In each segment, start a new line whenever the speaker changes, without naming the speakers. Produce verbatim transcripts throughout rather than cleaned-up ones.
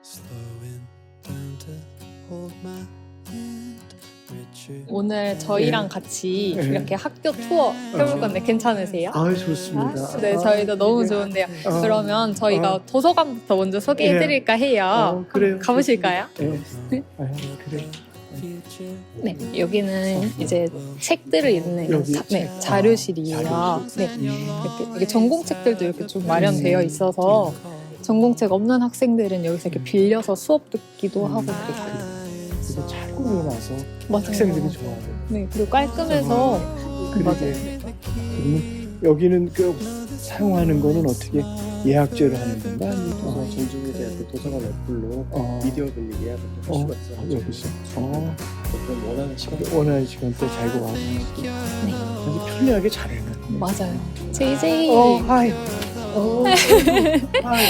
오늘 저희랑
네.
같이
네.
이렇게 학교 투어 해볼 건데 괜찮으세요?
아, 좋습니다.
네, 저희도 너무 좋은데요.
어.
그러면 저희가
어.
도서관부터 먼저 소개해드릴까 해요.
어, 그래요.
한번 가보실까요?
네. 아, 그래.
네, 여기는 이제 책들을 읽는
여기
자, 네,
책.
자료실이에요.
아,
네, 이렇게, 이렇게 전공책들도 이렇게 좀 마련되어 있어서 전공책 없는 학생들은 여기서 이렇게 빌려서 수업 듣기도 하고 그래요.
이거 잘 꾸며놔서
맞아요.
학생들이 좋아해요.
네, 그리고 깔끔해서
그러게.
맞아요.
그러면 여기는 그 사용하는 거는 어떻게 예약제로 하는 건가? 아니면
어, 전주대학교 도서관 어플로
어.
미디어 빌리 예약을 할
어,
수가 있어요.
여기서 어,
좀 원하는 시간에
원하는 시간대 잘 구하고 아주 편리하게 잘 해놨네.
맞아요. 제이제이.
어, 하이. 어, 하이.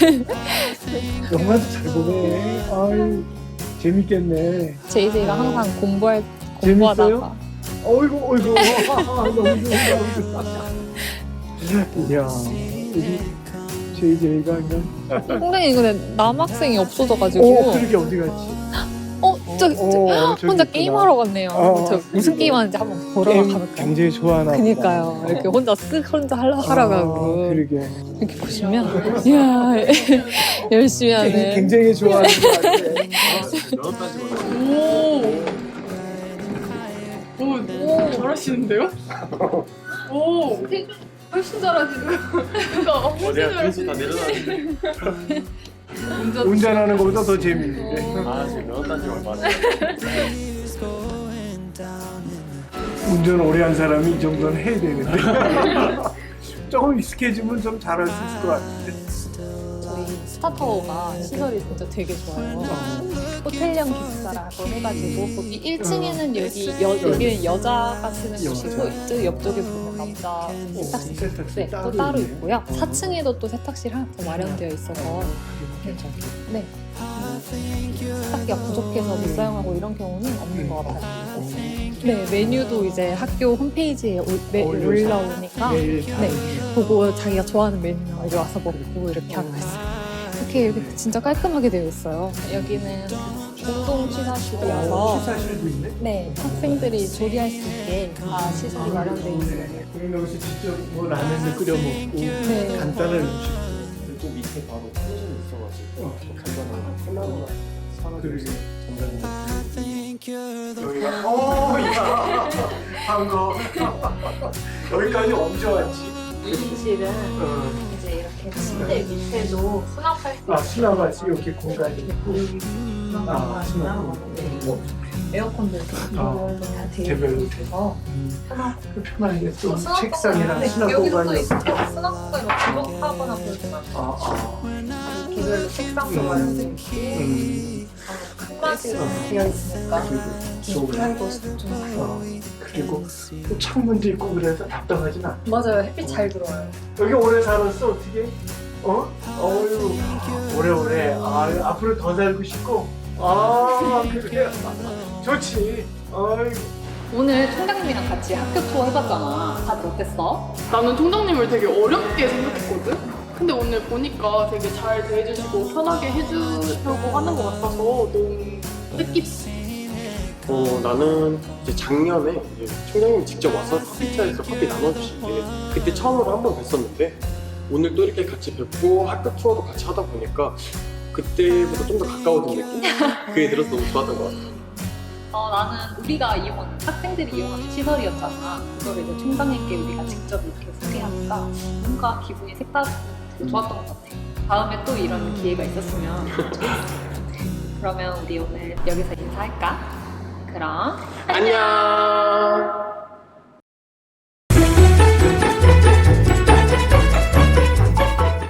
영화도 잘 보네. 아유, 재밌겠네.
제이제이가 항상 공부할
재밌어요?
공부하다가
어이구, 어이구. 너무 좋다. 이야, 우리 제이제이가 그냥.
선생님 근데 남학생이 없어져가지고
어, 그러게 어디 갔지?
어, 저, 저
어, 저기
혼자
있구나.
게임하러 갔네요.
어,
저 무슨 게임 하는지 한번 보러
게임
가볼게요.
굉장히 좋아하나 보다.
그니까요. 이렇게 혼자 쓱 혼자 하러, 하러 가고
아, 그러게.
이렇게 보시면 이야 열심히
게임
하네.
굉장히 좋아하는 것 같아.
면허 따지 말고
오, 오, 잘하시는데요? 오, 훨씬 잘하시네요. 그러니까 훨씬
어디가
잘하시네.
그래서 다 내려놨는데
운전.
운전하는 것보다 더 재밌는데.
아 지금 면허 딴지 얼마 안
운전 오래 한 사람이 이 정도는 해야 되는데. 조금 익숙해지면 좀 잘할 수 있을 것 같은데.
저희 스타타워가 시설이 진짜 되게 좋아요. 호텔형 기숙사라고 해가지고 거기 일 층에는 여기 여, 여기는 여자가 쓰는 곳이고 이쪽 옆쪽에 보면 남자 세탁실
세탁실
네, 또 따로 있고요. 사 층에도 또 세탁실 하나 더 마련되어 있어서
괜찮겠다.
네. 세탁기가 부족해서 못 사용하고 이런 경우는 없는 것 같아요. 네, 메뉴도 이제 학교 홈페이지에 올, 매, 올라오니까
매일 다
네, 보고 자기가 좋아하는 메뉴나 여기 와서 먹고 이렇게 하고 있어요. 이렇게 이렇게 진짜 깔끔하게 되어 있어요. 여기는 공동 취사실이어서
취사실도 있네.
네, 학생들이 조리할 수 있게 다 시설이 마련되어 있어요.
그럼 여기서 직접 뭐 라면을 끓여 먹고
네.
간단한 음식.
또 밑에 바로 펜션이 있어가지고
어.
간단한 콜라보나 사가지고
그러게.
전자레인지
여기가 어야 한거 여기까지 엄청 왔지.
이실은
어.
이제 이렇게 침대 밑에도 수납할 수
아 수납하지 이렇게 공간이 있고. 아 수납. 뭐
에어컨도 이렇게 개별로 다 되어
개별로
있어서 편하고
그 편하게 또
수납
책상이랑
네,
수납
여기도 또
공간이.
있고 수납공간이 막 부족하거나 그러지 말고
아 아.
개별로 책상도
음.
마련되어 있고
음.
클래스가 되어 있으니까
좋은.
프라이버시도 좀
어. 그리고 또 창문도 있고 그래서 답답하진 않아.
맞아요. 햇빛 잘 들어와요.
여기 오래 살았어 어떻게? 어? 어유 오래오래. 아 앞으로 더 살고 싶고. 아 그래. 좋지. 아이고.
오늘 총장님이랑 같이 학교 투어 해봤잖아. 다들 어땠어?
나는 통장님을 되게 어렵게 생각했거든? 근데 오늘 보니까 되게 잘 대해주시고 편하게 해주려고 하는 것 같아서 너무 뜻깊어.
어 나는 이제 작년에 이제 총장님이 직접 와서 커피차에서 커피 나눠주신 게 그때 처음으로 한 번 뵀었는데 오늘 또 이렇게 같이 뵙고 학교 투어도 같이 하다 보니까 그때보다 좀 더 가까워진 느낌? 그게 들어서 너무 좋았던 것 같아.
어, 나는 우리가 이용, 학생들이 이용하는 시설이었잖아. 그거를 이제 총장님께 우리가 직접 이렇게 소개하니까 뭔가 기분이 색다르고 되게 좋았던 것 같아. 다음에 또 이런 기회가 있었으면 좋겠어. 그러면 우리 오늘 여기서 인사할까? 그럼
안녕.